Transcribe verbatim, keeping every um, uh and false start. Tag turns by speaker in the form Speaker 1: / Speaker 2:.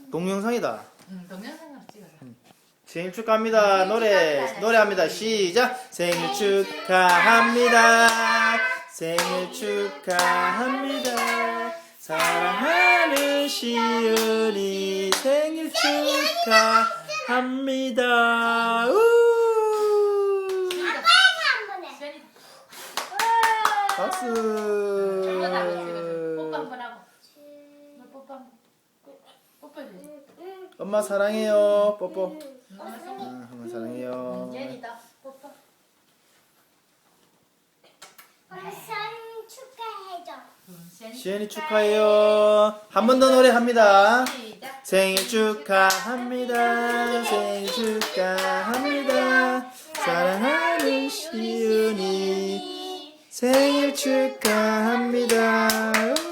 Speaker 1: 동영상이다.
Speaker 2: 응, 동영상으로 찍어라.
Speaker 1: 생일 축하합니다. 노래 노래합니다. 시작. 생일 축하합니다. 생일 축하합니다. 사랑하는 시은이 생일 축하합니다. 우!
Speaker 2: 시연이
Speaker 1: 박수.
Speaker 2: 뽀뽀 한번 하고. 너 뽀뽀 한번. 뽀뽀해주지.
Speaker 1: 엄마 사랑해요. 뽀뽀.
Speaker 2: 엄마
Speaker 1: 아,
Speaker 2: 생일.
Speaker 1: 엄마 사랑해요.
Speaker 2: 시연이다. 뽀뽀.
Speaker 3: 엄마 생일 축하해줘.
Speaker 2: 응, 시연이
Speaker 1: 시은이 축하해요. 한 번 더 노래합니다.
Speaker 2: 시작.
Speaker 1: 생일 축하합니다. 생일 축하합니다. 사랑하는 시은이 생일 축하합니다.